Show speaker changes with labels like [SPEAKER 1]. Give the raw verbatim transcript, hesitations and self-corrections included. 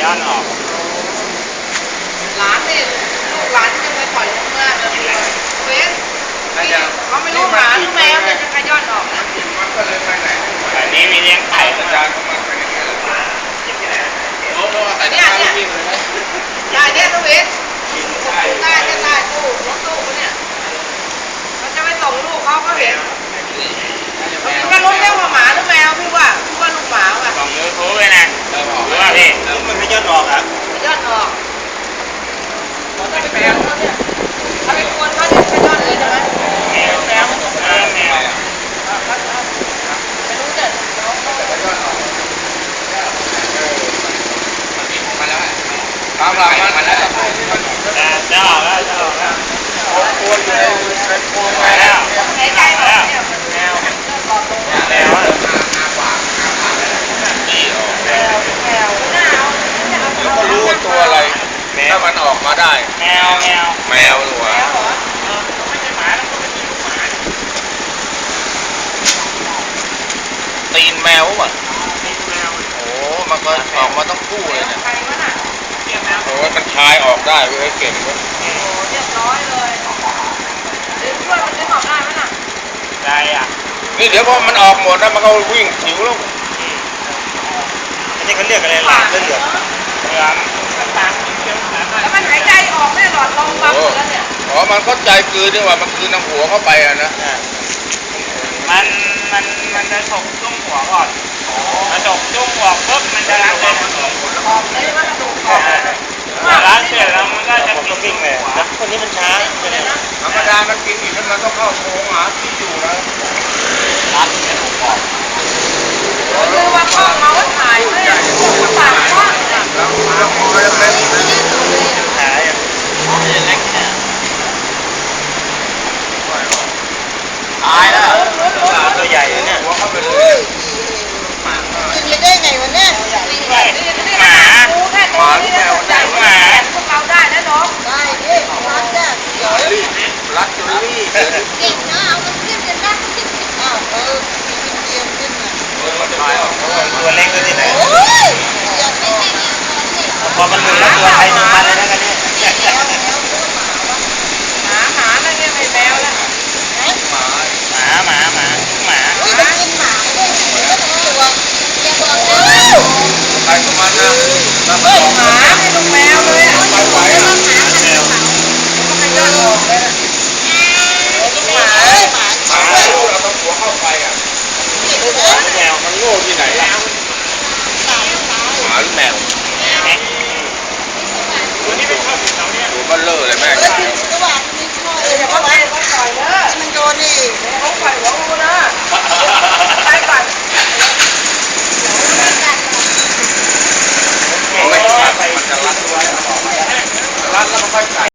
[SPEAKER 1] ย้อนออก
[SPEAKER 2] หลานนี่ลูกหลานยังไม่ปล่อยลงมาเลยเว้นเขาไม่รู้หมาหรือแมวเนี่ยจะขย้อนออกนะ
[SPEAKER 3] มันก็เลยไปไหน
[SPEAKER 1] แต่นี้มีเลี้ยงไก่
[SPEAKER 3] อาจารย์เขามาไปอย่างนี้แหละโอ้โหแต่
[SPEAKER 2] เนี่ยเนี่ยยายเนี่ยตัวเว้นใต้จะใต้ตู้รถตู้เนี่ยเขาจะไปส่งลูกเขาเขาเห็นก็รู้แค่ว่าหมาหรือแมวพี่ว่าพี่ว่าลูกหมาว่ะ
[SPEAKER 1] ส่งยูทูบเลยนะหรือว่าพี่มันไม่ย้อนออกอ่ะ
[SPEAKER 2] ย้อนออกเขาจะเป็นแมวเขาเนี่ยถ้าเป็นคนเขาจะย้อนเลยใช่ไหม
[SPEAKER 1] แมวแมวแมวแมว
[SPEAKER 2] ไม่รู้เนี่ยน้องเขาจะย้อนออก
[SPEAKER 3] มาแล้วตามหลังมาแล้ว
[SPEAKER 1] จะออกแล้วจะออกแล้ว
[SPEAKER 3] ตัวอยู่ในในโพรงไป
[SPEAKER 1] แล้
[SPEAKER 3] แล้ว
[SPEAKER 2] ในใจเราเนี่ยมันแมวเริ่มหลอดลง
[SPEAKER 1] แมวอ่ะ
[SPEAKER 3] อาปากอาปากนี่ออก
[SPEAKER 2] แมวแมวหน้าเอา
[SPEAKER 3] แล้วก็รู้ว่าตัวอะไรถ้ามันออกมาได้
[SPEAKER 1] แมวแมว
[SPEAKER 3] แมวหรือวะ
[SPEAKER 1] ไม่ใช่หมาแล้วก็ไม่ใช่ลูกหมา
[SPEAKER 3] ตีนแมวป่ะ
[SPEAKER 1] ตีนแมว
[SPEAKER 3] โอ้มันก็ออกมาต้องคู่เลยเนี่ย
[SPEAKER 2] ใครวะน่ะ
[SPEAKER 3] โอ้มันคลายออกได้เว้ยเก่งเว้ย
[SPEAKER 2] โอ้เรียบร้อยเลยดึงด้วยมันดึงออกได้ไหมน่ะ
[SPEAKER 1] ได้อ่ะ
[SPEAKER 3] นี่เดี๋ยวพอมันออกหมดแล้วมันก็วิ่งหิวแล้ว
[SPEAKER 1] อันนี้เขาเรียกอะไรหลาดเลือดเหลืองเหลืองต่างๆเขียวๆ
[SPEAKER 2] แล้วมันหายใจออกไม่หลอดลมบังแล้วเนี่ย
[SPEAKER 3] อ๋อมันเข้าใจคืนนี่ว่ามันคืนน้ำหัวเข้าไปอะนะ
[SPEAKER 1] มันมันมันจะฉกจุ้งหัวก่อนมันฉกจุ้งหัวปุ๊บมันจะล้างเลย
[SPEAKER 2] ออกเลยว่ากระดูกออก
[SPEAKER 1] ล้างเสร็จแล้วมันก็จะกินวิ่งเลยนะคนนี้มันช้า
[SPEAKER 3] ธรรมดามันกินอีกแล้วมันต้องเข้าโพรงหาที่อยู่แล้ว
[SPEAKER 1] รับเสร็จออก
[SPEAKER 2] คือว่าพ่อเขาถ่ายไม่ได้ปากกว้างเลย
[SPEAKER 3] แล้วแล้วพอเล็กๆนะ
[SPEAKER 1] หาอย่างเล็กเนี่ยตายแล้วตัวใหญ่เนี่ย
[SPEAKER 3] หัวเข้าไปเลย
[SPEAKER 2] กินได้ไงวะเนี่ยหมาหมาแค่ตัวนี้เนี่ยได้หมาพวกเราได้นะน้องได้ดิรัดได้เดี๋ยว
[SPEAKER 3] รัดจนรีบ
[SPEAKER 2] เก่งนะเอามันขึ้นกันได้ก็ขึ้นอ้าวเออเกียมขึ้นมา
[SPEAKER 1] ตัวเล็กตัวที่ไหน
[SPEAKER 2] โอ้ยอย่าไปให้
[SPEAKER 1] พอมันหลุดแล้วตัวใครตัวมันเลยนะกันเนี่ย
[SPEAKER 2] หมาหมาอะไรเนี่ยไม่แมวแล้ว
[SPEAKER 1] หมาหมาหมาหมา
[SPEAKER 2] อุ้ยมันกินหมาด้วยแล้วมันตัวอย่าบอกนะ
[SPEAKER 3] ใครของมันนะ
[SPEAKER 2] เฮ้ยหมาให้ลูกแมวเลยอ่ะ
[SPEAKER 3] ไปไหวอ่ะ
[SPEAKER 1] แมว
[SPEAKER 2] มันก็ย้อนออกเลยนะหมาหมา
[SPEAKER 3] หมาเราต้องหัวเข้าไปอ่ะ
[SPEAKER 1] แมวมันโง่ที่ไหนล่ะ
[SPEAKER 3] หมาหรือแมว
[SPEAKER 1] ตัวนี้ไม่ชอบเราเนี่ย
[SPEAKER 3] ตัวมันเลอะเลยแม่
[SPEAKER 2] ระหว่างมีช่วยเลยเขาไปเขาปล่อยเนอะมันโดนนี่เขาปล่อยหัวงูนะไปก่อน
[SPEAKER 3] ไม่กัดมันจะรัดไว้รัดแล้วมันค่อยกัด